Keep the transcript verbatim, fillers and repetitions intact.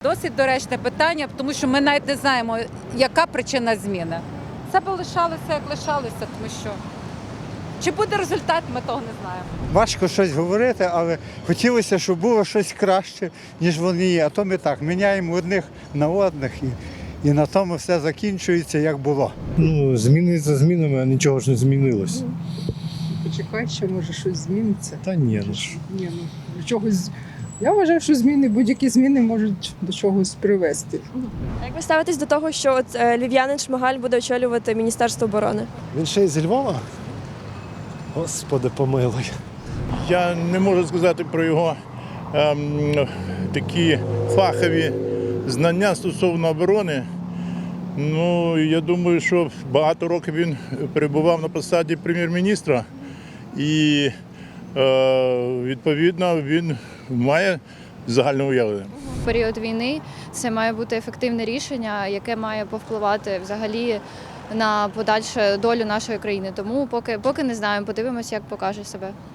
досить доречне питання, тому що ми навіть не знаємо, яка причина зміни. Це б лишалося, як лишалося, тому що чи буде результат, ми того не знаємо. Важко щось говорити, але хотілося, щоб було щось краще, ніж вони є. А то ми так, міняємо одних на одних і, і на тому все закінчується, як було. Ну, зміни за змінами, а нічого ж не змінилось. Почекай, ще може щось зміниться. Та ні, ну ж. Ні, ну до чогось. Я вважаю, що зміни, будь-які зміни можуть до чогось привести. А як ви ставитесь до того, що от е, львів'янин Шмигаль буде очолювати Міністерство оборони? Він ще й зі Львова? Господи, помилуй. Я не можу сказати про його ем, такі фахові знання стосовно оборони. Ну, я думаю, що багато років він перебував на посаді прем'єр-міністра і, е, відповідно, він має загальне уявлення. В період війни це має бути ефективне рішення, яке має повпливати взагалі на подальшу долю нашої країни. Тому поки, поки не знаємо, подивимося, як покаже себе.